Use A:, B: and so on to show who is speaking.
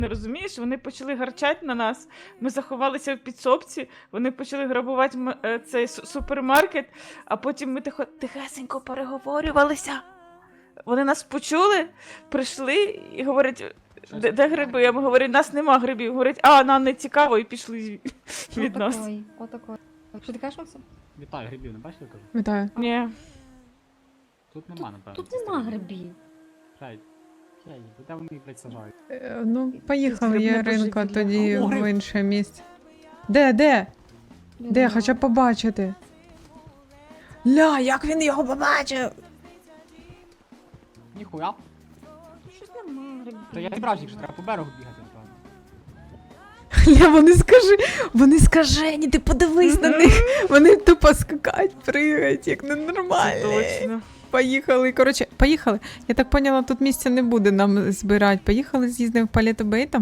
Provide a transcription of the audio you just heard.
A: Не розумієш, вони почали гарчати на нас. Ми заховалися в підсобці, вони почали грабувати цей супермаркет, а потім ми тихесенько переговорювалися. Вони нас почули, прийшли і говорять, де гриби? Я говорю, нас нема грибів. Говорять, нам не цікаво, і пішли від нас.
B: Отакой. Що ти кажеш, Максим?
C: Вітаю, грибів, не бачите, кажу?
D: Вітаю.
A: Ні.
C: Тут нема, напевно.
B: Тут нема грибів.
C: Блядь, де вони їх, блядь, сажають?
D: Ну, поїхали,
A: Грибне
D: Яринко,
A: божевілля.
D: тоді
C: О, гриб.
D: в інше місце. Де? Де? Хоча б побачити. Ля, як він його побачив?
C: Ніхуя.
B: Щось нема грибів.
C: Та я зібрався, якщо треба по берегу бігати, напевно.
D: Ля, вони скажені, ти подивись на них. Вони тупо скакають, пригають, як ненормальні.
A: Точно.
D: Поїхали, коротше, поїхали. Я так поняла, тут місця не буде нам збирати. Поїхали, з'їздимо в Палето Бей, там